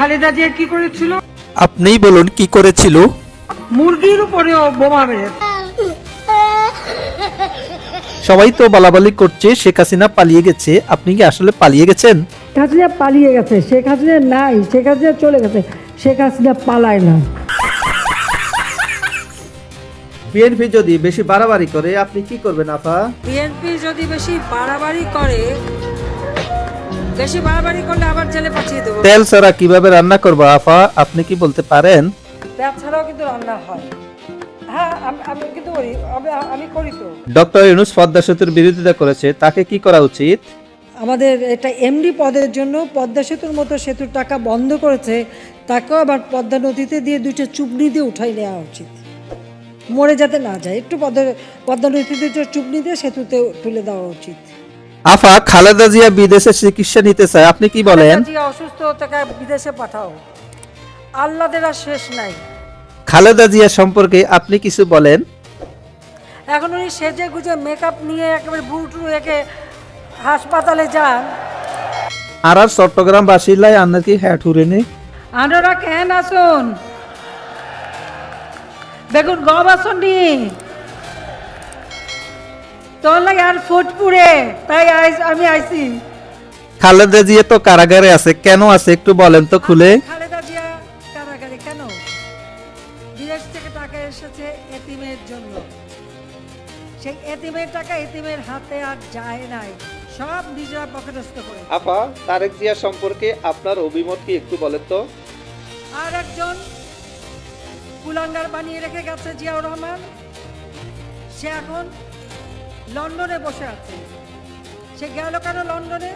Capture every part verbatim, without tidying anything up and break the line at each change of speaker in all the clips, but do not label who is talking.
খালেদা জিয়া কি করেছিল?
আপনিই বলুন কি করেছিল?
মুরগির উপরে বোমা মেরেছে।
সবাই তো বলাবলি করছে শেখ হাসিনা পালিয়ে গেছে, আপনি কি আসলে পালিয়ে গেছেন?
শেখ হাসিনা পালিয়ে গেছে, শেখ হাসিনা নাই, শেখ হাসিনা চলে গেছে, শেখ হাসিনা পালায় না।
বিএনপি যদি বেশি বাড়াবাড়ি করে আপনি কি করবেন আপা?
বিএনপি যদি বেশি বাড়াবাড়ি করে, বেশি বাড়াবাড়ি করলে আবার জেলে পাঠিয়ে দেবো।
তেল ছাড়া কিভাবে রান্না করবো আপা, আপনি কি বলতে পারেন?
তেল ছাড়াও কিন্তু রান্না হয়। হ্যাঁ, আমি আমি কিন্তু করি, আমি আমি করি তো।
ডক্টর ইউনূস পদ্মা সেতুর বিরোধিতা করেছে, তাকে কি করা উচিত?
আমাদের এটা এমডি পদের জন্য পদ্মা সেতুর মতো সেতুর টাকা বন্ধ করেছে, তাকেও আবার পদ্মা নদীতে দিয়ে দুইটা চুবনি দিয়ে উঠাই নেওয়া উচিত, মরে যাতে না যায়। একটু পদ্মা পদ্মা নদীতে দুটো চুবনি দিয়ে সেতুতে তুলে দেওয়া উচিত।
আফা, খালেদা জিয়া বিদেশে চিকিৎসা নিতে চায়, আপনি কি বলেন?
খালেদা জিয়া অসুস্থ, তাকে বিদেশে পাঠাও, আল্লাদের আর শেষ নাই।
খালেদা জিয়া সম্পর্কে আপনি কিছু বলেন।
এখন উনি সেজে গুজে মেকআপ নিয়ে একেবারে বুটু একে হাসপাতালে যান।
আর আর চট্টগ্রাম বাসিলাই আপনার কি হ্যাট হুরেনি?
আনারা কেন আসুন, বেগুন গম আসুন নি তোর লাগে আর ফুটপুরে, তাই আমি আইছি।
খালেদা জিয়া তো কারাগারে আছে, কেন আছে একটু বলেন তো খুলে।
খালেদা জিয়া কারাগারে কেন? বিদেশ থেকে টাকা এসেছে এতিমের জন্য, সেই এতিমের টাকা এতিমের হাতে আর যায় নাই, সব নিজেরা পকেটস্থ করে।
আপা, তারেক জিয়া সম্পর্কে আপনার অভিমত কি একটু বলেন তো?
আর একজন কুলাঙ্গার বানিয়ে রেখে গেছে জিয়াউর রহমান, সে এখন লন্ডনে বসে আছে। সে গেল কেন লন্ডনে?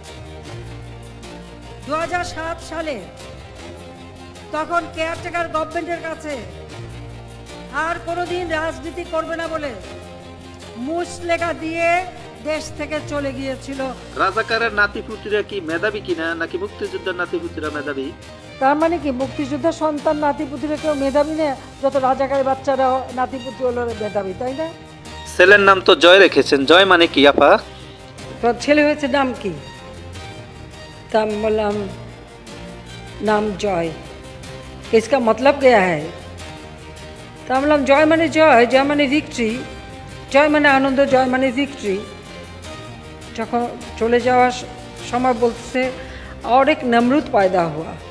দু হাজার সাত সালে তখন কেয়ারটেকার গভর্নমেন্টের কাছে আর কোনোদিন রাজনীতি করবে না বলে মুসলেখা দিয়ে দেশ থেকে চলে গিয়েছিল।
রাজাকারের নাতিপুতিরা কি মেধাবী কিনা, নাকি মুক্তিযোদ্ধার নাতিপুতিরা মেধাবী?
তার মানে কি মুক্তিযোদ্ধার সন্তান নাতিপুতিরা কেউ মেধাবী না? যত রাজাকারের বাচ্চারা নাতিপুতি হলো মেধাবী, তাই না?
ছেলের নাম তো জয় রেখেছেন, জয় মানে কি আপা?
তোর ছেলে হয়েছে নাম কি? তা আমি বললাম নাম জয়। इसका मतलब क्या है? তা আমি বললাম জয় মানে জয়, জয় মানে ভিক্টরি, জয় মানে আনন্দ, জয় মানে ভিক্টরি। যখন চলে যাওয়ার সময় বলছে और एक नमरूद पैदा हुआ।